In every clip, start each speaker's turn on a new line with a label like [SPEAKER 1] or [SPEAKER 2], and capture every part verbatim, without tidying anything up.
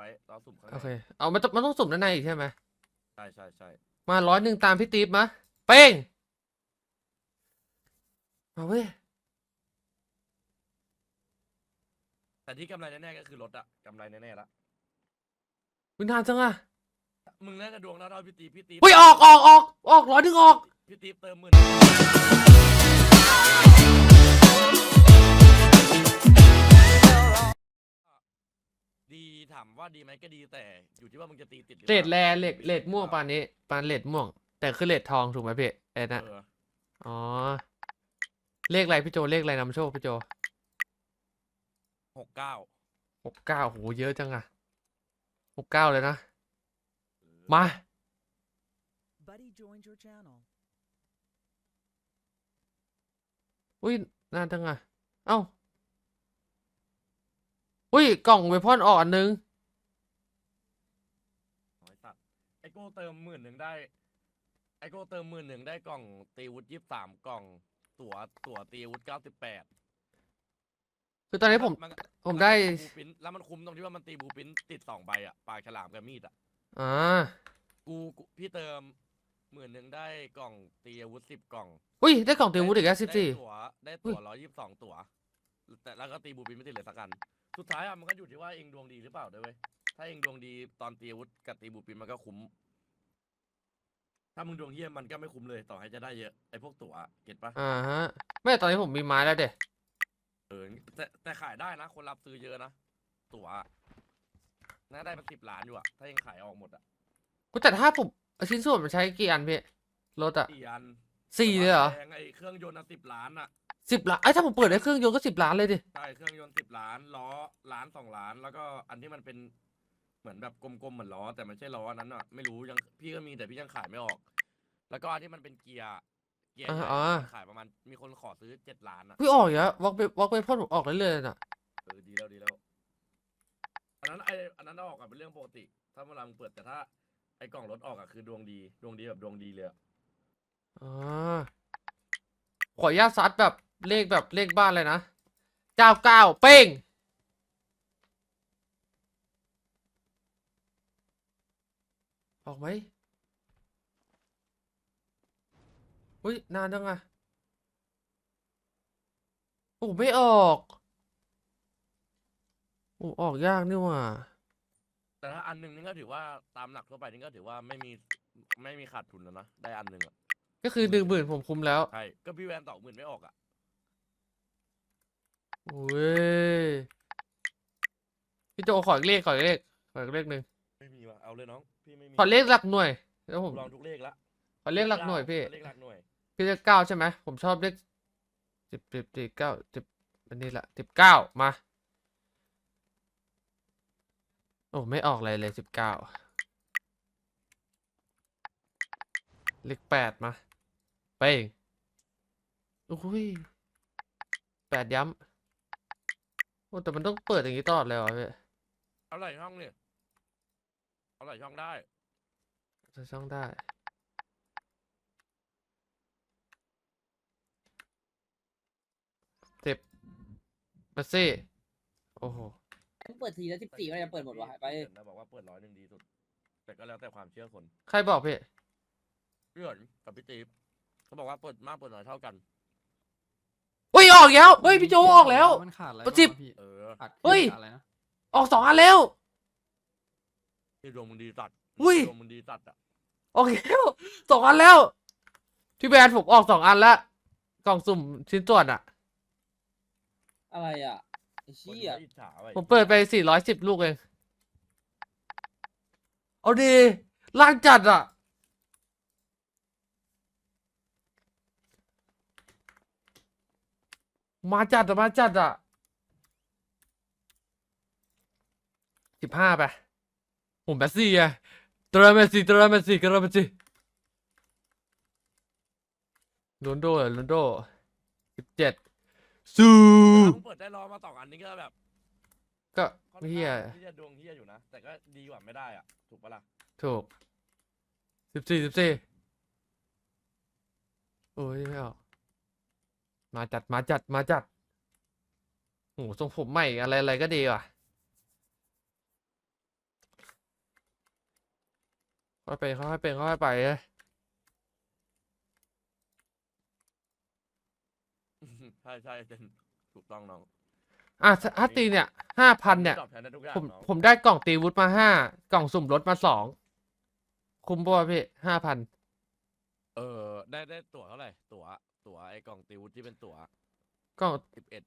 [SPEAKER 1] ว้รอสุ่มข้างใน
[SPEAKER 2] โอเคเอามันต้องมันต้องสุ่มด้านในอีกใช่ไหม
[SPEAKER 1] ใช่ใช่ใช่
[SPEAKER 2] มาร้อยหนึ่งตามพี่ติ๊บมาเป้งมาเว้ย
[SPEAKER 1] แต่ที่กำไรแน่ๆก็คือรถอะกำไรแน่ๆละ
[SPEAKER 2] วินานจังอะ
[SPEAKER 1] มึงน่าจะดวงเท่าๆพี่ตีพี่ตี
[SPEAKER 2] อุ้ยออกออกออกออกร้อยหนึ่งออก
[SPEAKER 1] พี่ตีเติมหมื่นดีถามว่าดีไหมก็ดีแต่อยู่ที่ว่ามึงจะตีติดหรือ
[SPEAKER 2] เล
[SPEAKER 1] เป
[SPEAKER 2] ด
[SPEAKER 1] ล่า
[SPEAKER 2] แรเลดเลดม่วงปานนี้ปานเลดม่วงแต่คือเลดทองถูกไหมพี่เอ็ดนะ
[SPEAKER 1] เออ
[SPEAKER 2] อ๋อเลขอะไรพี่โจเลขอะไรนำโชคพี่โจ
[SPEAKER 1] หกเก้า
[SPEAKER 2] หกเก้าโหเยอะจังอะหกเก้าเลยนะมา
[SPEAKER 3] Buddy joined your channel.
[SPEAKER 2] อุ้ยนานจังอะเอ้าอุ้ยกล่องเวพอนออกอันนึง
[SPEAKER 1] ไอ้สัตว์ไอโก้เติมหมื่นหนึ่งได้ไอโก้เติมหมื่นหนึ่งได้กล่องตีวุฒิยี่สิบสามกล่องตั๋วตั๋วตีวุฒิเก้าสิบแปด
[SPEAKER 2] คือตอนนี้ผม
[SPEAKER 1] มัน
[SPEAKER 2] ผมได้
[SPEAKER 1] บูปินแล้วมันคุ้มตรงที่ว่ามันตีบูปินติดสองใบอะปลาฉลามกับมีดอะ
[SPEAKER 2] อ่า
[SPEAKER 1] กูกูพี่เติมหมื่นหนึ่งได้กล่องตีอาวุธสิบกล่อง
[SPEAKER 2] อุ้ยได้กล่องเตียงวุฒิอีกแล้วสิบ
[SPEAKER 1] ได้
[SPEAKER 2] สี่
[SPEAKER 1] ตั๋วได้ตั๋วร้อยยี่สิบสองตั๋วแต่แล้วก็ตีบูปินไม่ติดเลยสักกันสุดท้ายอะมันก็อยู่ที่ว่าเองดวงดีหรือเปล่าด้วยเว้ยถ้าเองดวงดีตอนตีอาวุธกับตีบูปินมันก็คุ้มถ้ามึงดวงเยี่ยมมันก็ไม่คุ้มเลยต่อให้จะได้เยอะไอ้พวกตั๋วเก็ตปะ
[SPEAKER 2] อ่าฮะไม่ตอนนี้ผมมีไม้แล้วเด็
[SPEAKER 1] เออแต่แต่ขายได้นะคนรับซื้อเยอะนะตั๋วน่าได้เป็นสิบล้านอยู่อะถ้าเองขายออกหมดอะ
[SPEAKER 2] กูแต่ถ้าผมชิ้นส่วนมันใช้กี่อันพี่รถอะ
[SPEAKER 1] สี่อัน
[SPEAKER 2] สี่เลยเหรอ
[SPEAKER 1] แพงไอ้เครื่องยนต์อะสิบล้านอะ
[SPEAKER 2] สิบล้านไอ้ยถ้าผมเปิดได้เครื่องยนต์ก็สิบล้านเลยดิ
[SPEAKER 1] ใช่เครื่องยนต์สิบล้านล้อล้านสองล้าน แล้วก็อันที่มันเป็นเหมือนแบบกลมๆเหมือนล้อแต่มันใช่ล้อนั้นอ่ะไม่รู้ยังพี่ก็มีแต่พี่ยังขายไม่ออก แล้วก็อันที่มันเป็นเกียร์เกียร์
[SPEAKER 2] อ่า
[SPEAKER 1] ใหญ่
[SPEAKER 2] อ่า
[SPEAKER 1] มันขายประมาณมีคนขอซื้อเจ็ดล้านอ่ะ
[SPEAKER 2] พี่ออกเยอะวอล์กไปวอล์กไปพ่นผมออกได้เลยน่ะ
[SPEAKER 1] เออดีแล้วดีแล้วอันนั้นไออันนั้นเอาออกกันเป็นเรื่องปกติ ถ้าเวลามึงเปิดแต่ถ้าไอกล่องรถออกอ่ะคือดวงดีดวงดีแบบดวงดีเลยอะ
[SPEAKER 2] อ่าขออนุญาตซัดแบบเลขแบบเลขบ้านเลยนะเก้าเก้าเป้งออกไหมอุ้ยนานจังอะโอ้ไม่ออกโอ้ออกยากนี่หว่า
[SPEAKER 1] แต่ถ้าอันหนึ่งนี่ก็ถือว่าตามหลักทั่วไปนี่ก็ถือว่าไม่มีไม่มีขาดทุนแล้วนะได้อันหนึ่งอ่ะ
[SPEAKER 2] ก็คือหนึ่งหมื่นผมคุมแล้ว
[SPEAKER 1] ใช่ก็พี่แวนสองหมื่นไม่ออกอ่ะ
[SPEAKER 2] โอ้ยพี่โจขออีกเลขขออีกเลขขออีกเลขหนึ่ง
[SPEAKER 1] ไม่มีว่ะเอาเลยน้องพี่ไม่มี
[SPEAKER 2] ขอเลขหลักหน่วยแล้วผม
[SPEAKER 1] ลองทุกเลขละ
[SPEAKER 2] ขอเลขหลักหน่วยพี่
[SPEAKER 1] เลขหลักหน่วย
[SPEAKER 2] พี่เลขเก้าใช่ไหมผมชอบเลขสิบสิบสิบเก้าสิบอันนี้แหละสิบเก้ามาโอ้ไม่ออกเลยเลยสิบเก้าเลขแปดมาไปเองโอ้ยแปดย้ำโอ้แต่มันต้องเปิดอย่างนี้ตลอดเลยเหรอพี่
[SPEAKER 1] เอาไหลช่องเนี่ยเอาไหลช่องได้
[SPEAKER 2] จะช่องได้สิบมาซี่โอ้โห
[SPEAKER 4] เปิดทีแล้วสิบสี่ก็จะเปิดหมดวะไป
[SPEAKER 1] เห็นนะบอกว่าเปิดร้อยหนึ่งดีสุด แต่ก็แล้วแต่ความเชื่อคน
[SPEAKER 2] ใครบอกพี่
[SPEAKER 1] พี่เหินกับพี่ตีฟเขาบอกว่าเปิดมากเปิดน้อยเท่ากัน
[SPEAKER 2] อุ้ยออกแล้วเฮ้ยพี่โจออกแล้ว
[SPEAKER 5] มันขาดอะไร
[SPEAKER 2] ประสิบ
[SPEAKER 5] บ้างวะพี่
[SPEAKER 1] เออ
[SPEAKER 5] ขาด
[SPEAKER 2] เฮ้ย
[SPEAKER 5] ขาดอะไรนะ
[SPEAKER 2] ออกสองอันแล้ว
[SPEAKER 1] ที่ดวงมึงดีตัด
[SPEAKER 2] อุ้ย
[SPEAKER 1] ดวงมึงดีตัดอ่ะ
[SPEAKER 2] ออกแล้วสองอันแล้วพี่แบรนด์ผมออกสองอันแล้วกล่องสุ่มชิ้นส่วนอ่ะ
[SPEAKER 4] อะไรอ่ะไอ้
[SPEAKER 1] คน
[SPEAKER 4] เชี่ย
[SPEAKER 1] อิจฉาไว้
[SPEAKER 2] ผมเปิดไปสี่ร้อยสิบลูกเองเอาดีล่างจัดอ่ะมาจัดอ่ะมาจัดอ่ะสิบห้าไปผมแบสซี่อะเตอร์เมสซี่เตอร์เมสซี่เตอร์เมสซี่โรนโดเหรอโรนโดสิบเจ็ดสู้
[SPEAKER 1] ถ้ามึงเปิดได้รอมาสองอันนี้ก็แบบ
[SPEAKER 2] ก็
[SPEAKER 1] ค่อน
[SPEAKER 2] เฮีย
[SPEAKER 1] ข้างที่จะดวงเฮียอยู่นะ แต่ก็ดีกว่าไม่ได้อ่ะ ถูกปะล่ะ
[SPEAKER 2] ถูกสิบสี่สิบสี่โอ้ยไม่ออกมาจัดมาจัดมาจัดโอ้ทรงผมใหม่อะไรอะไรก็ดีว่ะค่อยไปค่อยๆเป็นค่อยๆไปเลย
[SPEAKER 1] ใช่ใช่เจนถูกต้องน้อง
[SPEAKER 2] อ่ะถ้าถ้าตีเนี่ยห้าพันเนี่ย
[SPEAKER 1] ตอบแทนได้ทุกอย่าง
[SPEAKER 2] ผม
[SPEAKER 1] น้อง
[SPEAKER 2] ผมได้กล่องตีวุฒิมาห้ากล่องสุ่มรถมาสองคุ้มป่ะพี่ห้าพัน
[SPEAKER 1] เออได้ได้ตั๋วเท่าไหร่ตั๋วตั๋วไอ้กล่องตีวุฒิที่เป็นตั๋ว
[SPEAKER 2] กล่อง
[SPEAKER 1] สิบเอ็ด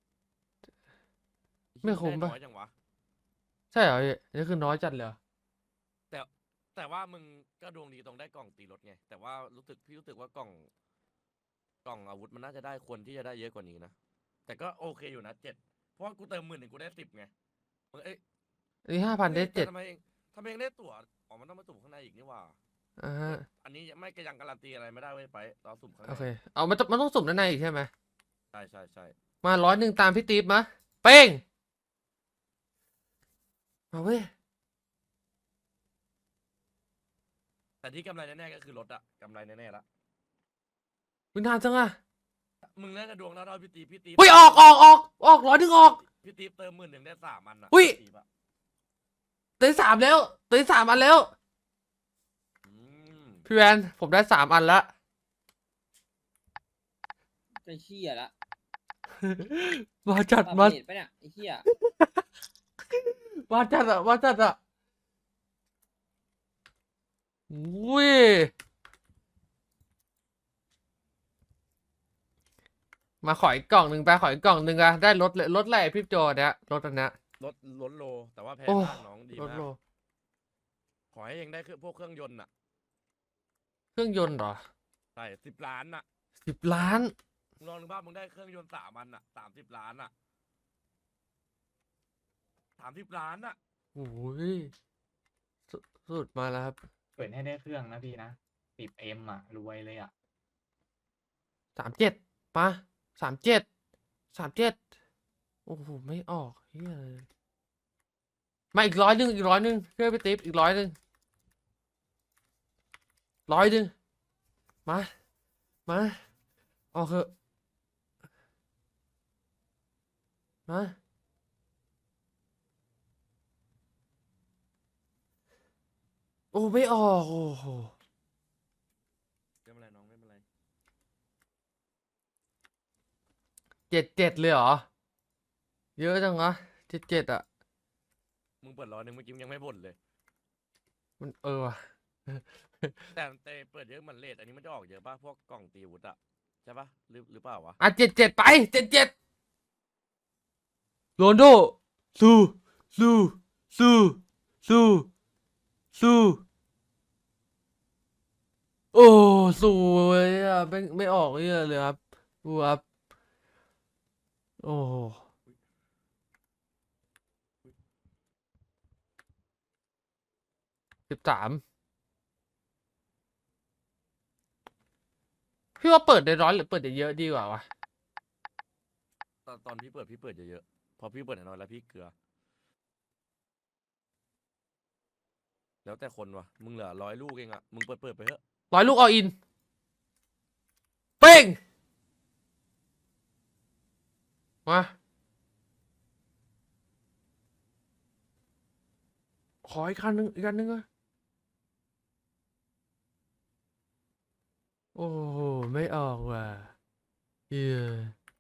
[SPEAKER 2] ไม่คุ้มปะ
[SPEAKER 1] น้อยจังวะ
[SPEAKER 2] ใช่เหรอพี่นี่คือน้อยจัดเลยเหรอ
[SPEAKER 1] แต่แต่ว่ามึงก็ดวงดีตรงได้กล่องตีรถไงแต่ว่ารู้สึกพี่รู้สึกว่ากล่องกล่องอาวุธมันน่าจะได้ควรที่จะได้เยอะกว่านี้นะแต่ก็โอเคอยู่นะเจ็ดเพราะว่ากูเติมหมื่นหนึ่งกูได้สิบไงมึงเอ้ย
[SPEAKER 2] อันนี้ห้าพันได้
[SPEAKER 1] อ้ยแต่
[SPEAKER 2] เจ็ด
[SPEAKER 1] ทำไมเองทำไมเองได้ตั๋วอ๋อมันต้องมาสุ่มข้างในอีกนี่หว่า
[SPEAKER 2] อ่าฮะ
[SPEAKER 1] อันนี้ไม่ก็ยังการันตีอะไรไม่ได้เว้ยไปเราสุ่มข้างใน
[SPEAKER 2] โอเคเอามันต้องมันต้องสุ่มด้านในอีกใช่ไหม
[SPEAKER 1] ใช่ใช่ใช่
[SPEAKER 2] มาร้อยหนึ่งตามพี่ติ๊บมาเป้งมาเว้ย
[SPEAKER 1] แต่ที่กำไรแน่ๆก็คือรถอะกำไรแน่ๆละ
[SPEAKER 2] วินานจังอะ
[SPEAKER 1] มึงน่าจะดวงเท่าๆพี่ตีพี่ตี
[SPEAKER 2] อุ้ยออกออกออกออกร้อยหนึ่งออก
[SPEAKER 1] พี่ตีเติมหมื่นหนึ่งได้สามอันอะ
[SPEAKER 2] อุ้ย
[SPEAKER 1] พี่ตีปะ
[SPEAKER 2] ได้สามแล้วได้สามอันแล้ว
[SPEAKER 1] อืม
[SPEAKER 2] พี่แวนผมได้สามอันละ
[SPEAKER 4] จะเชี่ยละ
[SPEAKER 2] มาจัด
[SPEAKER 4] ปรับ
[SPEAKER 2] มา
[SPEAKER 4] เรทไปะเนี่ยไอ้เชี่ย
[SPEAKER 2] มาจัดอะมาจัดอะอุ้ยมาขออีกกล่องหนึ่งไปขออีกกล่องหนึ่งอะได้รถเลยรถแรกพี่โจเนี่ยรถอันเนี้ย
[SPEAKER 1] รถรถโล แต่ว่าแพง
[SPEAKER 2] โอ้
[SPEAKER 1] มากน้องดี
[SPEAKER 2] รถ
[SPEAKER 1] มาก
[SPEAKER 2] โล
[SPEAKER 1] ขอให้เองได้คือพวกเครื่องยนต์อะ
[SPEAKER 2] เครื่องยนต์เหรอ
[SPEAKER 1] ใช่สิบล้านอะ
[SPEAKER 2] สิบล้าน
[SPEAKER 1] มึงลองนึกภาพมึงได้เครื่องยนต์สามอันอะสามสิบล้านอะสามสิบล้านอะ
[SPEAKER 2] โอ้ยสุดสุดมาแล้วครับ
[SPEAKER 5] เปิดให้ได้เครื่องนะพี่นะสิบเอ็มอ่ะ รวยเลยอ่ะ
[SPEAKER 2] สามเจ็ดมาสามเจ็ดสามเจ็ดโอ้โหไม่ออกเฮ้ยมาอีกร้อยหนึ่งอีกร้อยหนึ่งเพื่อไปติ๊บอีกร้อยหนึ่งร้อยหนึ่งมามาออกเถอะมาโอ้ไม่ออกโอ้โห
[SPEAKER 1] ไม่เป็นไรน้องไม่เป็นไร
[SPEAKER 2] เจ็ดเจ็ดเลยเหรอเยอะจังวะเจ็ดเจ็ดอะ
[SPEAKER 1] มึงเปิดร้อยหนึ่งเมื่อกี้มึงยังไม่บ่นเลย
[SPEAKER 2] มันเออว่ะ
[SPEAKER 1] แต่แต่เปิดเยอะเหมือนเลทอันนี้มันจะออกเยอะป่ะพวกกล่องตีอาวุธอะใช่ป่ะหรือหรือเปล่าวะ
[SPEAKER 2] อ่ะเจ็ดเจ็ดไปเจ็ดเจ็ดโรนโดสู้สู้สู้สู้สู้โอ้สวยอ่ะไม่ไม่ออกเยอะเลยครับดูครับโอ้สิบสามพี่ว่าเปิดได้ร้อยหรือเปิดได้เยอะดีกว่าวะ
[SPEAKER 1] ตอนตอนพี่เปิดพี่เปิดเยอะๆพอพี่เปิดน้อยๆแล้วพี่เกลือ แล้วแต่คนวะมึงเหลือร้อยลูกเองอะมึงเปิดเปิดไปเถอะ
[SPEAKER 2] ร้อยลูกออิน เป้ง มา ขออีกคันหนึ่งอีกคันหนึ่งอะโอ้โห ไม่ออกว่ะเหี้ย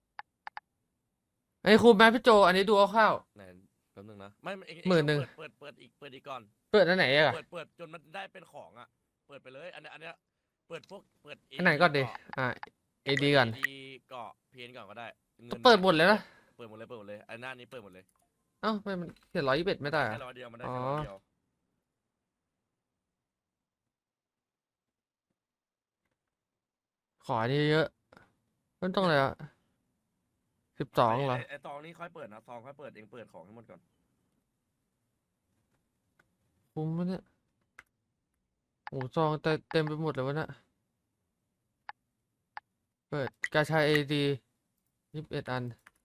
[SPEAKER 2] ไอ้ครูแม่พี่โจ อันนี้ดูเอาข้าว
[SPEAKER 1] ไหนแป๊บนึงนะไม่เองเอง
[SPEAKER 2] หมื่นหนึ่ง
[SPEAKER 1] เปิดเปิดเปิดอีกเปิดอีกก่อน
[SPEAKER 2] เปิดอันไหนอะ
[SPEAKER 1] เปิดเปิดจนมันได้เป็นของอะเปิดไปเลยอันเนี้ยอันเนี้ยเปิดพวกเปิด
[SPEAKER 2] อันไหนก่อนดิ อ่ะเอดีก่อน
[SPEAKER 1] ดีเกาะเพนก่อนก็ได้งิน
[SPEAKER 2] เปิดหมดเลยนะ
[SPEAKER 1] เปิดหมดเลยเปิดหมดเลยอันหน้านี้เปิดหมดเลย
[SPEAKER 2] เอ้าไม่มันเขียนร้อยยี่สิบเอ็ดไม่ได้อะ
[SPEAKER 1] แค่ร้อยเดียวมันได้แค่ร้อยเดียว
[SPEAKER 2] ขออันนี้เยอะมันต้องอะไรอะสิบสองเหรอ
[SPEAKER 1] ไไอตองนี้ค่อยเปิดนะซองค่อยเปิดเองเปิดของให้หมดก่อน
[SPEAKER 2] คุ้มไหมเนี่ยโอ้ซองเต็มเต็มไปหมดเลยวะเนี่ยเปิดกาชาเอดียี่สิบเอ็ดอัน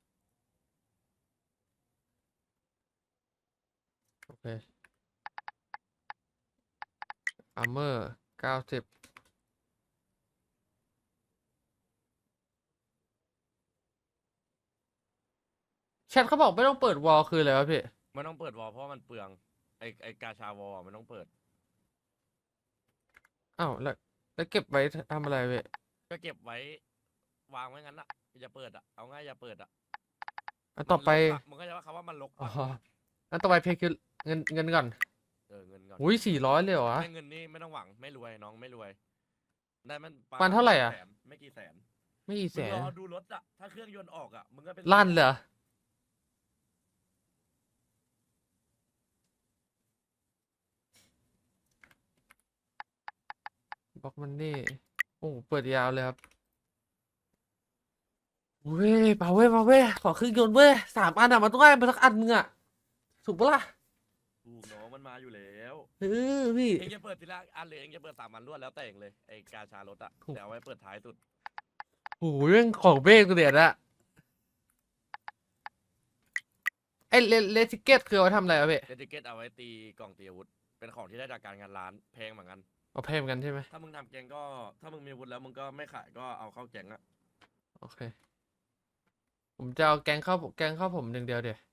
[SPEAKER 2] โอเคอาร์เมอร์เก้าสิบแชทเขาบอกไม่ต้องเปิดวอลคืออะไรวะพี่
[SPEAKER 1] ไม่ต้องเปิดวอลเพราะว่ามันเปลืองไอไอกาชาวอลมันต้องเปิด
[SPEAKER 2] อ้าวแล้วแล้วเก็บไว้ทำอะไรเว้ย
[SPEAKER 1] ก็เก็บไว้วางไว้งั้นอะอย่าเปิดอะเอาง่ายอย่าเปิดอะ
[SPEAKER 2] อันต่อไป
[SPEAKER 1] มันรกอะมึงก็จะว่าคำว่ามันลก
[SPEAKER 2] อ๋อ
[SPEAKER 1] ปะ
[SPEAKER 2] อันต่อไปเพลคือเงินเงินก่อน
[SPEAKER 1] เออเงินก่อน
[SPEAKER 2] อุ้ยสี่ร้อยเลยเหรอวะ
[SPEAKER 1] ได้เงินนี่ไม่ต้องหวังไม่รวยน้องไม่รวย ได้มันป
[SPEAKER 2] มันเท่าไหร่อะ
[SPEAKER 1] แสนไม่กี่แสน
[SPEAKER 2] ไม่กี่แส
[SPEAKER 1] มึง
[SPEAKER 2] น
[SPEAKER 1] รอดูรถอะถ้าเครื่องยนต์ออกอะมึงก็เป็น
[SPEAKER 2] ลั่นเลยเหรอ บล็อกมันนี่โอ้เปิดยาวเลยครับเว้ยมาเว้ยมาเว้ยขอเครื่องยนต์เว้ยสามอันอะมันต้องได้มาสักอันมึงอะถูกปะล่ะ
[SPEAKER 1] ถูกน้องมันมาอยู่แล้ว
[SPEAKER 2] เออพี่
[SPEAKER 1] เองจะเปิดทีละอันเลยเองจะเปิดสามอันรวดแล้วแต่เองเลยไอ้กาชารถอะ
[SPEAKER 2] ถูก
[SPEAKER 1] แต่เอาไว้เปิดท้ายสุด
[SPEAKER 2] โอ้ยเรื่องของเบรกตัวเดียดอะไอ้เลเลติเกตคือเอาไว้ทำอะไรอะพี่
[SPEAKER 1] เดติเกตเอาไว้ตีกล่องตีอาวุธเป็นของที่ได้จากการงานร้านแพงเหมือนกัน
[SPEAKER 2] เอาเพลมกันใช่ไหม
[SPEAKER 1] ถ้ามึงทำแกงก็ถ้ามึงมีอาวุธแล้วมึงก็ไม่ขายก็เอาเข้าแกงอะ
[SPEAKER 2] โอเค ผมจะเอาแกงข้าวแกงข้าวผมหนึ่งเดียวเดี๋ยว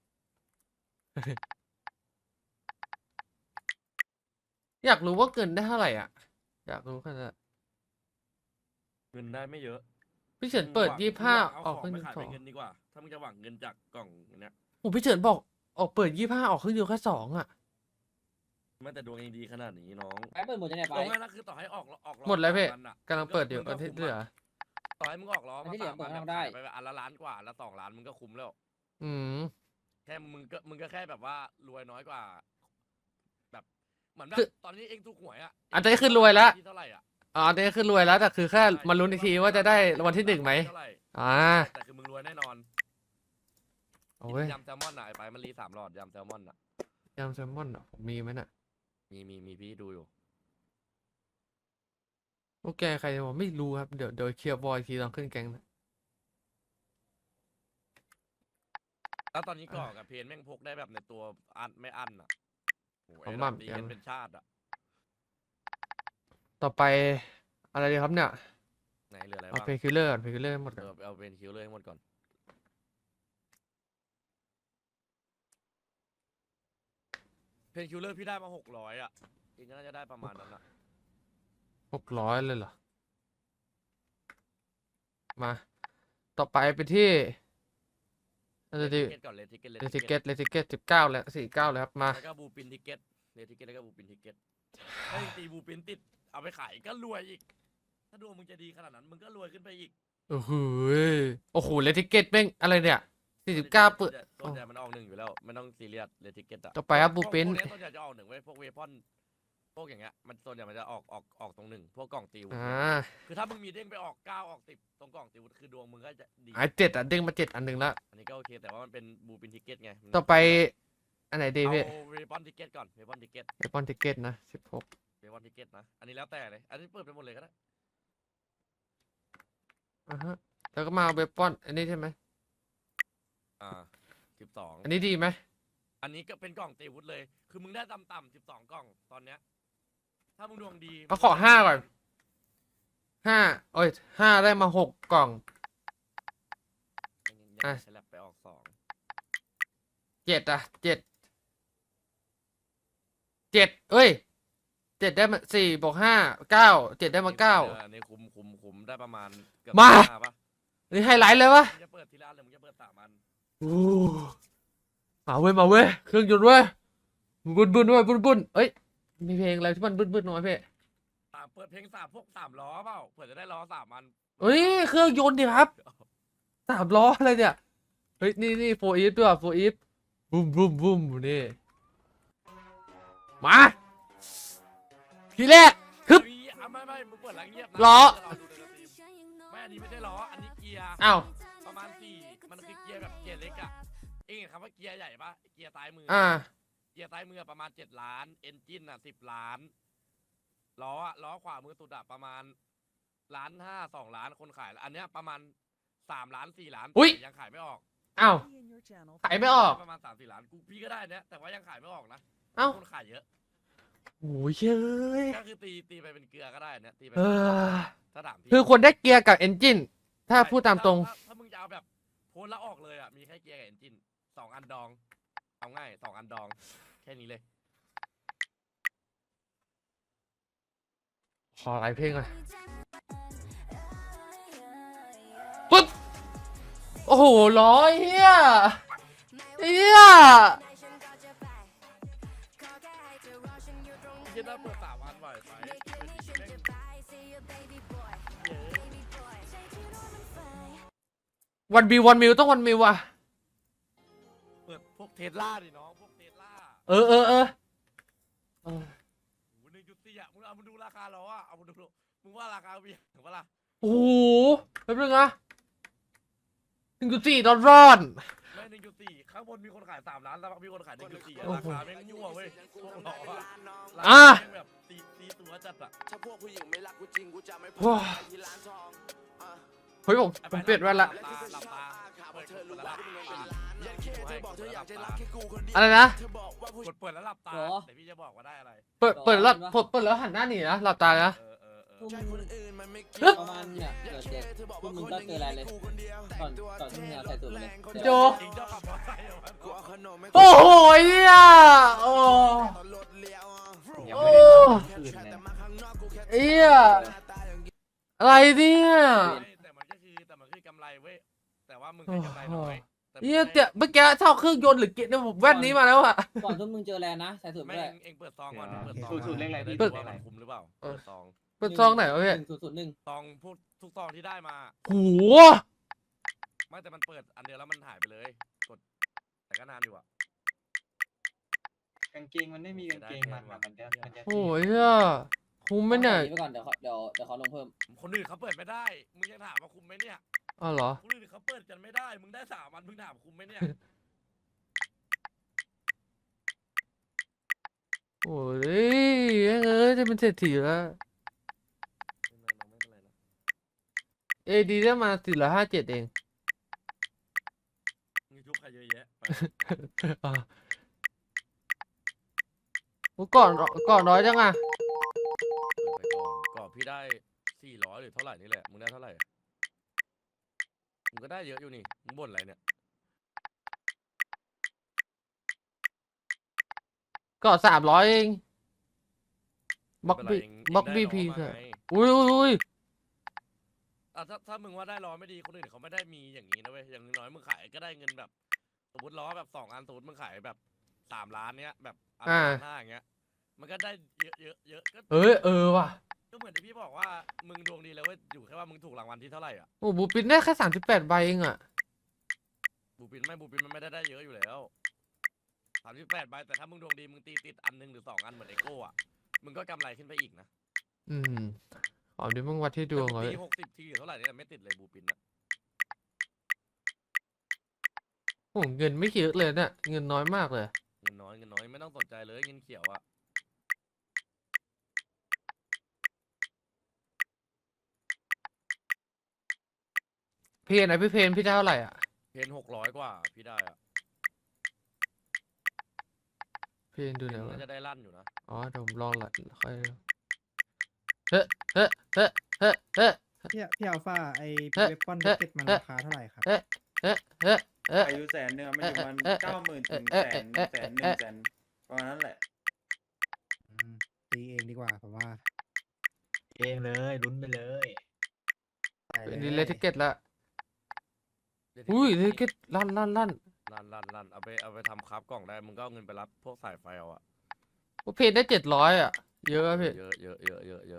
[SPEAKER 2] อยากรู้ว่าเกินได้เท่าไหร่อ่ะ อยากรู้ขนาดนั้น
[SPEAKER 1] เงินได้ไม่เยอะ
[SPEAKER 2] พี่เฉินเปิด
[SPEAKER 1] มึงหวัง
[SPEAKER 2] ยี่ห้า
[SPEAKER 1] มึงหวัง
[SPEAKER 2] ออก
[SPEAKER 1] เอาข
[SPEAKER 2] ขึ้
[SPEAKER 1] อง
[SPEAKER 2] น
[SPEAKER 1] ไปขาย
[SPEAKER 2] สอ
[SPEAKER 1] เป็น
[SPEAKER 2] ง
[SPEAKER 1] เงินดีกว่า ถ้ามึงจะหวังเงินจากกล่องเนี้ย
[SPEAKER 2] โอ้พี่เฉินบอกออกเปิดยี่ห้าออกขึ้นเดียวแค่สองอ่ะ
[SPEAKER 1] มันแต่ดวงเองดีขนาดนี้น้อง
[SPEAKER 4] ไปเปิดหมดจะไหนไป
[SPEAKER 1] ตรงนั้นนะคือต่อให้ออกออกล้อ
[SPEAKER 2] หมดแล้วพี่
[SPEAKER 1] สาอันอะ
[SPEAKER 2] กำลังเปิดอยู่
[SPEAKER 1] มึ
[SPEAKER 2] อันที่
[SPEAKER 1] คุ้ม
[SPEAKER 2] เหลือ
[SPEAKER 1] อะต่อให้มึงออกล้อ
[SPEAKER 4] อัน
[SPEAKER 1] มา
[SPEAKER 4] ที่เหลือ
[SPEAKER 1] สามอัน
[SPEAKER 4] เปิด
[SPEAKER 1] อะ
[SPEAKER 4] ทำได้
[SPEAKER 1] ขายไปอันละล้านกว่าละสองล้านมึงก็คุ้มแล้ว
[SPEAKER 2] อืม
[SPEAKER 1] แค่มึงก็มึงก็แค่แบบว่ารวยน้อยกว่า แบบเหมือนแบ
[SPEAKER 2] คื
[SPEAKER 1] บ
[SPEAKER 2] อ
[SPEAKER 1] ตอนนี้เองถูกหวยอะ
[SPEAKER 2] อันนี้คือรวยละ
[SPEAKER 1] ที่เท่าไหร่อะ
[SPEAKER 2] อ๋ออันนี้คือรวยแล้วแต่คือแค่มาลุ้นอีกทีว่าจะได้รางวัลที่หนึ่งไหม
[SPEAKER 1] เท่าไหร่
[SPEAKER 2] อ่า
[SPEAKER 1] แต่คือมึงรวยแน่นอน
[SPEAKER 2] โอ้ย
[SPEAKER 1] ยำแซลมอนอะไอ้ไปมันรีสามหลอดยำแซลมอนอะ
[SPEAKER 2] ยำแซลมอนเหรอผมมีไหมน่ะ
[SPEAKER 1] มีมีมีพี่ดูอยู่
[SPEAKER 2] โอเคใครจะบอกไม่รู้ครับ เดี๋ยวเดี๋ยวเคลียร์บอยทีตอนขึ้นแก๊งนะ
[SPEAKER 1] แล้วตอนนี้ก่อกับเพนแม่งพกได้แบบในตัวอันไม่อันอะโอ้ย
[SPEAKER 2] ผม
[SPEAKER 1] ด
[SPEAKER 2] มั่
[SPEAKER 1] อก
[SPEAKER 2] ม
[SPEAKER 1] ตี
[SPEAKER 2] ยั
[SPEAKER 1] กัน
[SPEAKER 2] ง
[SPEAKER 1] เป็นชาติอะ
[SPEAKER 2] ต่อไปอะไรดีครับเนี่ย
[SPEAKER 1] ไหนเหลืออะไร
[SPEAKER 2] เอา
[SPEAKER 1] บ้าง
[SPEAKER 2] เพคิลเลอร์ก่อนเพคิลเลอร์หมด
[SPEAKER 1] เอ
[SPEAKER 2] ก่อน
[SPEAKER 1] อเอาเป็นคิวเลยให้หมดก่อน เพนคิวเลอร์พี่ได้มาหกร้อยอ่ะเองก็น่าจะได้ประมาณนั้นอ่ะ
[SPEAKER 2] หกร้อยเลยเหรอ มา ต่อไปไปที่อะไร
[SPEAKER 1] เล
[SPEAKER 2] ดี
[SPEAKER 1] ทิเกตก่อนเลทิเกต
[SPEAKER 2] เลติเกตเลติเกตสิบเก้าแล้วสี่เก้าแล้วครับมา
[SPEAKER 1] แล้วก็บูปินทิเกตเลทิเกตแล้วก็บูปินทิเกตถ้าเองตีบูปินติดเอาไปขายก็รวยอีก ถ้าดวงมึงจะดีขนาดนั้นมึงก็รวยขึ้นไปอีก
[SPEAKER 2] โอ้โหยโอ้โหเลติเกตแม่งอะไรเนี่ยสี่สิบเก้าเปิด
[SPEAKER 1] ส่วนใหญ่มันออกหนึ่งอยู่แล้วไม่ต้องซีเรียสเลทิเกตอะ
[SPEAKER 2] ต่อไปครับบู
[SPEAKER 1] พวก
[SPEAKER 2] ปิน
[SPEAKER 1] พวกเนี้ยส่วนใหญ่จะออกหนึ่งไว้ยพวกเวพอนพวกอย่างเงี้ยมันส่วนใหญ่มันจะออกออกออกตรงหนึ่งพวกกล่องตีวุธ
[SPEAKER 2] อ่า
[SPEAKER 1] เนี่ยคือถ้ามึงมีเด้งไปออกเก้าออกสิบตรงกล่องตีวุธคือดวงมึงก็จะดี
[SPEAKER 2] หายเจ็ดอ่ะเด้งมาเจ็ดอันหนึ่งแล้ว
[SPEAKER 1] อันนี้ก็โอเคแต่ว่ามันเป็นบูปินทิเกตไงมัน
[SPEAKER 2] ต่อไปอันไหนดีพี่
[SPEAKER 1] เอาเวพอนทิเกตก่อนเวพอนทิเกต
[SPEAKER 2] เอปอนติเกตนะสิบหก
[SPEAKER 1] เวพอนทิเกตนะอันนี้แล้วแต่เลยอันนี้เปิดไปหมดเลยก็ได้
[SPEAKER 2] อ่าฮะแล้วก็มาเวปอนอันนี้ใช่ไหม
[SPEAKER 1] อ่าสิบสอง
[SPEAKER 2] อันนี้ดีไหม
[SPEAKER 1] อันนี้ก็เป็นกล่องตีวุธเลย คือมึงได้ต่ำๆสิบสองกล่องตอนเนี้ยถ้ามึงดวงดี
[SPEAKER 2] เอาขอห้าก่อนห้าโอ้ยห้าได้มาหกกล่อง
[SPEAKER 1] ยัง
[SPEAKER 2] อ่ะ
[SPEAKER 1] ใช้แลบไปออกสอง
[SPEAKER 2] เจ็ดอ่ะเจ็ดเจ็ดเอ้ยเจ็ดได้มาสี่บวกห้าเก้าเจ็ดได้มาเก้า
[SPEAKER 1] อออันนี้คุ้มคุ้มคุ้มได้ประมาณเกือบ
[SPEAKER 2] มา
[SPEAKER 1] ห้ปะ
[SPEAKER 2] อันนี้ไฮไลท์เลยวะ
[SPEAKER 1] มึงจะเปิดทีละอันหรือมึงจะเปิดสามอัน
[SPEAKER 2] โอ้มาเว้ยมาเว้ยเครื่องยนต์เว้ยบุนบุนเว้ยบุนบุนเอ้ยมีเพลงอะไรที่มันบุนบุนหน่อยพี่
[SPEAKER 1] อ่าเปิดเพลงสามพวกสามล้อเปล่าเผื่อจะได้ล้อสามอัน
[SPEAKER 2] เอ้ยเครื่องยนต์ดิครับสามล้ออะไรเนี่ยเฮ้ยนี่นี่โฟอีฟด้วยโฟอีฟบุ้มบุ้มบุ้มนี่มาทีแรก ฮึบ
[SPEAKER 1] เฮ้ยอ่ะไม่ไม่มึงเปิดแล้วเงียบนะ
[SPEAKER 2] ล้อ
[SPEAKER 1] จะรอดูในสตรีมไม่อันนี้ไม่ใช่ล้ออันนี้เกียร์
[SPEAKER 2] อ้าว
[SPEAKER 1] ประมาณสี่มันคือเกียร์แบบเกียร์เล็กอะเองเห็นคำว่าเกียร์ใหญ่ปะเกียร์ซ้ายมืออ
[SPEAKER 2] อ่า
[SPEAKER 1] เกียร์ซ้ายมือประมาณเจ็ดล้าน เอนจินอ่ะสิบล้าน ล้ออะล้อขวามือสุดอะประมาณล้านห้าสองล้านคนขายแล้วอันเนี้ยประมาณสามล้านสี่ล้าน
[SPEAKER 2] อุ๊ย
[SPEAKER 1] แต่ยังขายไม่ออก
[SPEAKER 2] อ้าว
[SPEAKER 3] Be in your channel
[SPEAKER 2] ขายไม่ออก
[SPEAKER 1] ประมาณสามสี่ล้านกูพี่ก็ได้เนี้ยแต่ว่ายังขายไม่ออกนะ
[SPEAKER 2] เอ้า
[SPEAKER 1] คนขายเยอะ
[SPEAKER 2] โอ้ยเย้ย
[SPEAKER 1] ก็คือตีตีไปเป็นเกลือก็ได้เนี้ยตีไป
[SPEAKER 2] เออ
[SPEAKER 1] ถ้าถามพี่
[SPEAKER 2] คือคนได้เกียร์กับเอนจินถ้าพูดตามตรง
[SPEAKER 1] ถ้ถ้ามึงจะเอาแบบโพสแล้วออกเลยอะมีแค่เกียร์กับเอนจินสองอันดองเอาง่ายสองอันดองแค่นี้เลย
[SPEAKER 2] โขอหลายเพลงอ่ะปึ๊บโอ้โหร้อยเฮียเฮีย
[SPEAKER 1] คิดว่าเปิดสามวันไหวไหมคืนนี้แม่งเยอะ
[SPEAKER 2] วันบิววันมิวต้องวันมิวอ่ะ
[SPEAKER 1] เปิดพวกเทสลาดิน้องพวกเทสลา
[SPEAKER 2] เออเออเออเออ
[SPEAKER 1] โอ้หนึ่งจุดสี่อ่ะมึงเอามาดูราคาเราอ่ะเอามาดูมึงว่าราคามีถึงปะล่ะ
[SPEAKER 2] โอ้โหแป๊บนึงนะหนึ่งจุดสี่ดอลลาร์
[SPEAKER 1] ไม่หนึ่งจุดสี่ข้างบนมีคนขายสามล้านแล้วมีคนขายหนึ่งจุดสี่
[SPEAKER 2] โอ้
[SPEAKER 1] รา
[SPEAKER 2] โห
[SPEAKER 1] คาแม่งมั่วเว้ยพวกเราอะ
[SPEAKER 2] อ่ะ
[SPEAKER 1] ราคาแม่งแบบตีตีตัวจัดอ่ะ
[SPEAKER 6] ถ้าพวกผู้หญิงไม่รักกูจริงกูจะไม่พ
[SPEAKER 2] ว้า
[SPEAKER 6] าที่ร้านทองอ่ะ
[SPEAKER 2] เฮ้ยผมผมเปลี่ยนแว่นละ
[SPEAKER 1] หลับตาหลับตา
[SPEAKER 6] ข่าว
[SPEAKER 1] เปิด
[SPEAKER 6] เธอรู้
[SPEAKER 1] แล้วห
[SPEAKER 6] ว่า
[SPEAKER 1] ลับ
[SPEAKER 6] มึง
[SPEAKER 1] ตา
[SPEAKER 6] เป็นล้านยันเคเธอบอกเธออยากจะรักแค่กูคนเดียว
[SPEAKER 2] อะไรนะ
[SPEAKER 6] เธอบอกว่าผู้
[SPEAKER 1] กดเปิดแล้วหลับตา
[SPEAKER 4] หรอ
[SPEAKER 1] แต่พี่จะบอกว่าได้อะไร
[SPEAKER 2] เปิดเปิดแล้วผมเปิดแล้วหันหน้าหนีนะหลับตานะ
[SPEAKER 1] เออเออเออ
[SPEAKER 4] ทุ่ม
[SPEAKER 6] ใจคนอื่นมันไม่เกี่
[SPEAKER 2] เฮ้
[SPEAKER 6] ย
[SPEAKER 2] ย
[SPEAKER 6] ว
[SPEAKER 4] ประมาณเนี่ยเกิดเจ็ด
[SPEAKER 6] เธอบอก
[SPEAKER 4] ทุ่
[SPEAKER 6] ว่าม
[SPEAKER 4] มึง
[SPEAKER 6] คน
[SPEAKER 4] ก็
[SPEAKER 6] ห
[SPEAKER 4] เจ
[SPEAKER 6] นึ่
[SPEAKER 4] อง อะไรเลย
[SPEAKER 6] กูคนเดียว
[SPEAKER 4] ก่อนก่อนที่มึงเอาใส่สูตรไปเลย
[SPEAKER 2] โจ
[SPEAKER 1] จริงเจ้าขับมอเตอร์ไซค์เหรอวะ
[SPEAKER 6] กูเอาขนมให้
[SPEAKER 2] โอ้โหเฮียโอ้
[SPEAKER 6] ตอนรถเลี้ยวอ่ะ
[SPEAKER 5] ยังไม่ได้นอนคืนเลย
[SPEAKER 6] แต่มาข้างนอกกูแค่
[SPEAKER 2] เฮียอะไรเนี่ย
[SPEAKER 1] ไม่แต่มันก็คือแต่มันคือกำไรเว้ยแต่ว่ามึงให้กำไรน้อยแต่มึง
[SPEAKER 2] เฮีย
[SPEAKER 1] ให้
[SPEAKER 2] เดี๋ยวเมื่อกี้เท่าเครื่องยนต์หรือเกียร์เนี่ยผมแว่นนี้มาแล้วอะ
[SPEAKER 4] ก่อนทุ่มมึงเจอแลนนะใส่สูตรไป
[SPEAKER 1] ไม่
[SPEAKER 4] เล
[SPEAKER 1] เอย งเองเปิดซองก่อนเปิดซอง
[SPEAKER 5] สูตรสูตรเลขอะไรพี่
[SPEAKER 1] เปิด
[SPEAKER 5] สูตร
[SPEAKER 1] ว่า
[SPEAKER 5] เลขอะไร
[SPEAKER 1] มันคุ้มหรือเปล่า
[SPEAKER 2] เออ
[SPEAKER 1] เปิดซอง
[SPEAKER 2] เป็นซองไหนวะพี่
[SPEAKER 4] หนึ่งศูนย์ศูนย์หนึ่ง
[SPEAKER 1] ซองพวกทุกซองที่ได้มา
[SPEAKER 2] โห
[SPEAKER 1] ไม่แต่มันเปิดอันเดียวแล้วมันหายไปเลยกดแต่ก็นานอยู่อ่ะ
[SPEAKER 5] กางเกงมันไม่มีกางเกงมันอะมันจะมันจะ
[SPEAKER 2] โอ้ยเฮียคุ้มไหมเนี่ย
[SPEAKER 4] อาไปก่อนเดี๋ยวเขาเดี๋ยวเดี๋ยวเขาลงเพิ่ม
[SPEAKER 1] คนอื่นเขาเปิดไม่ได้มึงยังถามว่าคุ้มไหมเนี่ย
[SPEAKER 2] อ๋อเหรอ
[SPEAKER 1] คนอื่นเขาเปิดกันไม่ได้มึงได้สามวันมึงถามคุ้มไหมเนี่ย
[SPEAKER 2] โอ้ยเอ้ยจะเป็นเศรษฐีแล้ว
[SPEAKER 1] ไม่เป็นไรน้องไม่เป็นไรนะ
[SPEAKER 2] เอดีได้มาสี่ร้อยห้าเจ็ดเอง
[SPEAKER 1] มึงยุบใครเยอะแยะไป
[SPEAKER 2] อ่ะโอ้ก่อนก่อนน้อยจังอ่ะ
[SPEAKER 1] เปิดไปก่อนก่อนพี่ได้สี่ร้อยหรือเท่าไหร่นี่แหละมึงได้เท่าไหร่มึงก็ได้เยอะอยู่นี่มึงบ่นอะไรเนี่ย
[SPEAKER 2] ก่อนสามร้อยเองบล็อก
[SPEAKER 1] ไม่
[SPEAKER 2] บี
[SPEAKER 1] เป็นไรเอง
[SPEAKER 2] บล็อก
[SPEAKER 1] เง
[SPEAKER 2] บี
[SPEAKER 1] ได้
[SPEAKER 2] พี
[SPEAKER 1] น้อง
[SPEAKER 2] ค่ะ
[SPEAKER 1] มาไง
[SPEAKER 2] อุ้ยอุ้ยอุ้ย
[SPEAKER 1] อ่ะถ้าถ้ามึงว่าได้ล้อไม่ดีคนอื่นเขาไม่ได้มีอย่างนี้นะเว้ยอย่างน้อยมึงขายก็ได้เงินแบบสมมติล้อแบบสองอันสมมติมึงขายแบบสามล้านเนี้ยแบบอันละล้านห้าอย่างเงี้ยมันก็ได้เยอะเยอะเยอะก็
[SPEAKER 2] เอ้ยเออว่ะ
[SPEAKER 1] ก็เหมือนที่พี่บอกว่ามึงดวงดีแล้วเว้ยอยู่แค่ว่ามึงถูกรางวัลที่เท่าไหร่อ่ะ
[SPEAKER 2] โอ้บูปินได้แค่สามสิบแปดใบเองอ่ะ
[SPEAKER 1] บูปินไม่บูปินมันไม่ได้ได้เยอะอยู่แล้วสามสิบแปดใบแต่ถ้ามึงดวงดีมึงตีติดอันหนึ่งหรือสองอันเหมือนเอโก้อ่ะมึงก็กำไรขึ้นไปอีกนะ
[SPEAKER 2] อืมอ๋อเดี๋ยวมึงวัดที่ดวง
[SPEAKER 1] แต่
[SPEAKER 2] เล
[SPEAKER 1] มึ
[SPEAKER 2] ย
[SPEAKER 1] ตีหกสิบทีหรือเท่าไหร่เนี่ยไม่ติดเลยบูปินนะ
[SPEAKER 2] โอ้เงินไม่เยอะเลยเนี่ยเงินน้อยมากเลย
[SPEAKER 1] เงินน้อยเงินน้อยไม่ต้องสนใจเลยเงินเขียวอ่ะ
[SPEAKER 2] เพนไหนพี่เพนพี่ได้เท่าไหร่อ่ะ
[SPEAKER 1] เพนหกร้อยกว่าพี่ได้อ่ะ
[SPEAKER 2] เพนดูหน่อย
[SPEAKER 1] น่า
[SPEAKER 2] ว่า
[SPEAKER 1] จะได้ลั่นอยู่นะ
[SPEAKER 2] อ๋อเดี๋ยวผมลองละค่อยเฮ้เฮ้เฮ้เฮ้เฮ้
[SPEAKER 7] พี่พี่อัลฟาไอ
[SPEAKER 2] เอ๊ะ
[SPEAKER 7] เวปอน
[SPEAKER 2] เอ๊ะ
[SPEAKER 7] เก็ตมัน
[SPEAKER 2] เอ๊ะ
[SPEAKER 7] ราคาเท่าไหร่ครับ
[SPEAKER 2] เฮ้เฮ้เฮ้เฮ้
[SPEAKER 8] อายุแสนหนึ่งอะมันอยู่มัน
[SPEAKER 2] เอ๊ะ
[SPEAKER 8] เก้าหมื่นถึง
[SPEAKER 2] เอ๊ะ
[SPEAKER 8] แสน
[SPEAKER 2] เอ๊ะ
[SPEAKER 8] แสนห
[SPEAKER 2] เอ๊ะ
[SPEAKER 8] นึ่งแสนประมาณนั้นแหละ
[SPEAKER 7] อืมตีเองดีกว่าผมว่า
[SPEAKER 5] เองเลยลุ้นไปเลย
[SPEAKER 7] ไป
[SPEAKER 2] เป็น
[SPEAKER 7] เล
[SPEAKER 2] ดี
[SPEAKER 7] ย
[SPEAKER 2] เลทิเกตละ
[SPEAKER 1] เดี๋ว
[SPEAKER 2] อุ้ย
[SPEAKER 1] ที่
[SPEAKER 2] เลทิเกตลั่นลั่นลั่น
[SPEAKER 1] ลั่นลั่นลั่นเอาไปเอาไปทำครับกล่องได้มึงก็เอาเงินไปรับพวกสายไฟเอาอ่ะ
[SPEAKER 2] โอ้เพนได้เจ็ดร้อยอ่ะเยอะอะพี่
[SPEAKER 1] เยอะเยอะเยอะเยอะเยอะ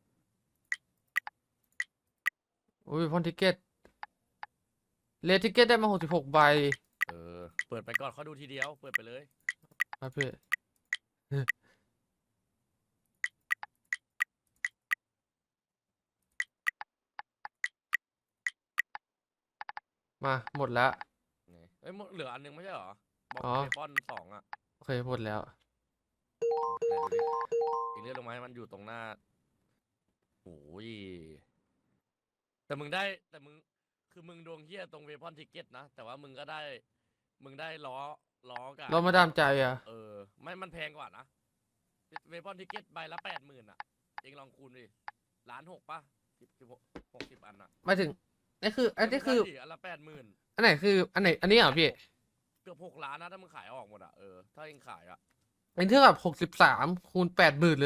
[SPEAKER 2] อุ้ยพอนทิเกตเลทิเกตได้มาหกสิบหกใบ
[SPEAKER 1] เออเปิดไปก่อนเขาดูทีเดียวเปิดไปเลย
[SPEAKER 2] ครับพี่มาหมดแล้ว
[SPEAKER 1] ไงเอ้ยหมดเหลืออันนึงไม่ใช่เหรอบอก
[SPEAKER 2] อ๋อ
[SPEAKER 1] เบคอนสองอ่ะ
[SPEAKER 2] โอเคหมดแล้ว
[SPEAKER 1] ไหนดูดิอีกเรื่องลงมาให้มันอยู่ตรงหน้าโอ้ยแต่มึงได้แต่มึงคือมึงดวงเฮี้ยตรงเวพอนทิเก็ตนะแต่ว่ามึงก็ได้มึงได้ล้อล้อกับ
[SPEAKER 2] เรามาดามใจอ่ะ
[SPEAKER 1] เออไม่มันแพงกว่านะเวพอนทิเก็ตใบละแปดหมื่นอ่ะเองลองคูณดิล้านหกป่ะสิบสิบหกหกสิบอันอ่ะ
[SPEAKER 2] หมายถึงนี่คืออันนี้คือ
[SPEAKER 1] มึงได้ดิอันละแปดหมื่น
[SPEAKER 2] อันไหนคืออันไหนอันนี้เหรอพี่
[SPEAKER 1] เกือบหกล้านนะถ้ามึงขายออกหมดอ่ะเออถ้าเองขายอ่ะ
[SPEAKER 2] เป็นเท่ากับหกสิบสามคูณแปดหมื่นเลยเหรอ
[SPEAKER 1] อ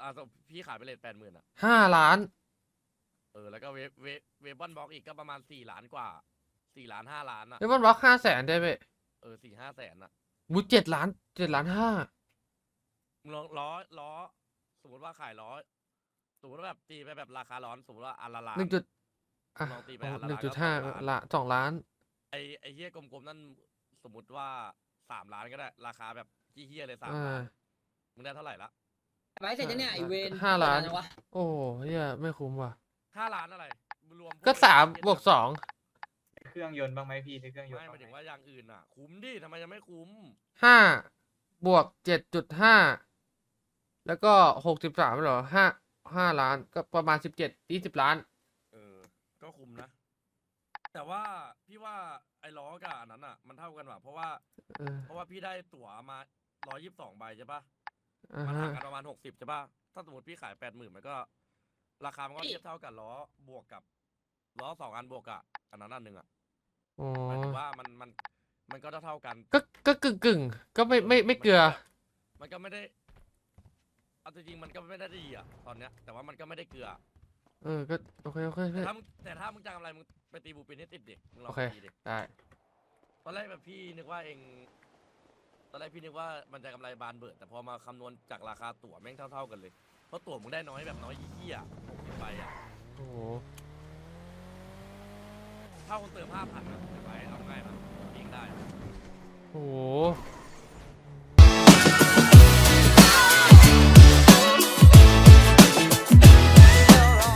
[SPEAKER 1] อ่ะพี่ขายไปเลยแปดหมื่นอ่ะ
[SPEAKER 2] ห้าล้าน
[SPEAKER 1] เออแล้วก็เวฟเวฟเวฟบอนบ็อกอีกก็ประมาณสี่ล้านกว่าสี่ล้านห้าล้านอ่ะ
[SPEAKER 2] แล้วมันบล็อกห้าแสนได้ไหม
[SPEAKER 1] เออสี่ห้าแสนอ่ะ
[SPEAKER 2] บูเจ็ดล้านเจ็ดล้านห้า
[SPEAKER 1] มึงลองล้อล้อสมมติว่าขายล้อสมมติว่าแบบตีไปแบบราคาร้อนสมมติว่าอันละล้าน
[SPEAKER 2] หนึ่งจุดอ่ะ
[SPEAKER 1] ลองตีไปอันละ
[SPEAKER 2] หนึ่ง
[SPEAKER 1] ล้าน
[SPEAKER 2] จุด
[SPEAKER 1] ก็
[SPEAKER 2] ห้า
[SPEAKER 1] สองล้าน
[SPEAKER 2] ละสองล้าน
[SPEAKER 1] ไอไอเฮียกลมๆนั่นสมมติว่าสามล้านก็ได้ราคาแบบเฮี้ยๆเลยสาม
[SPEAKER 2] อ่า
[SPEAKER 1] ล้านมึงได้เท่าไหร่ละ
[SPEAKER 4] ไว้เสร็จจะเนี่ยไอเวน
[SPEAKER 2] ห้าล้าน
[SPEAKER 4] เปิดจังวะ
[SPEAKER 2] โอ้เฮียไม่คุ้มว่ะ
[SPEAKER 1] ห้าล้านอะไรรวมพว
[SPEAKER 2] ก็สาม
[SPEAKER 1] เหี้ย
[SPEAKER 2] บวกสอง
[SPEAKER 5] เครื่องยนต์บ้างไหมพี่ในเครื่องยนต์
[SPEAKER 1] ไม่ห
[SPEAKER 5] บ้าง
[SPEAKER 1] มายถึง
[SPEAKER 5] ไหม
[SPEAKER 1] ว่าอย่างอื่นอ่ะ คุ้มดิทำไมยังไม่คุ้ม
[SPEAKER 2] ห้าบวกเจ็ดจุดห้าแล้วก็หกสิบสามเหรอห้าห้าล้านก็ประมาณสิบเจ็ดยี่สิบล้าน
[SPEAKER 1] เออ ก็คุ้มนะ แต่ว่าพี่ว่าไอ้ล้อกับอันนั้นอ่ะ มันเท่ากันว่ะเพราะว่า
[SPEAKER 2] เออ
[SPEAKER 1] เพราะว่าพี่ได้ตั๋วมาร้อยยี่สิบสองใบใช่ปะ
[SPEAKER 2] อ่า
[SPEAKER 1] มัน
[SPEAKER 2] ฮะ
[SPEAKER 1] ห่างกันประมาณหกสิบใช่ปะถ้าสมมติพี่ขายแปดหมื่นมันก็ ราคามันก็เทียบเท่ากับล้อบวกกับล้อสองอันบวกกับอันนั้นอันหนึ่งอ่ะ
[SPEAKER 2] อ๋อ
[SPEAKER 1] หมายถึงว่ามันมันมันก็เท่าๆกัน
[SPEAKER 2] ก็ก็กึ่งกึ่งก็ไม่ไม่ไม่เกลือ
[SPEAKER 1] มันก็ไม่ได้เอาจริงๆมันก็ไม่ได้ดีอ่ะตอนเนี้ย แต่ว่ามันก็ไม่ได้เกลือ
[SPEAKER 2] เออก็โอเคโอเคโอเค
[SPEAKER 1] แต่ถ้ามึงแต่ถ้ามึงจะทำอะไรมึงไปตีบูปินให้ติดเด็กมึงลอ
[SPEAKER 2] โอง เค
[SPEAKER 1] ตีดิ
[SPEAKER 2] ได้
[SPEAKER 1] ตอนแรกแบบพี่นึกว่าเองตอนแรกพี่นึกว่ามันจะกำไรบานเบิดแต่พอมาคำนวณจากราคาตั๋วแม่งเท่าๆกันเลยเพราะตั๋วมึงได้น้อยแบบน้อยยี่ๆอ่ะหกสิบใบอ่ะ
[SPEAKER 2] โอ้โห
[SPEAKER 1] ถ้าคนเติมห้าพันอ่ะถือไว้เอาง่ายนะเองได้
[SPEAKER 2] โอ้โห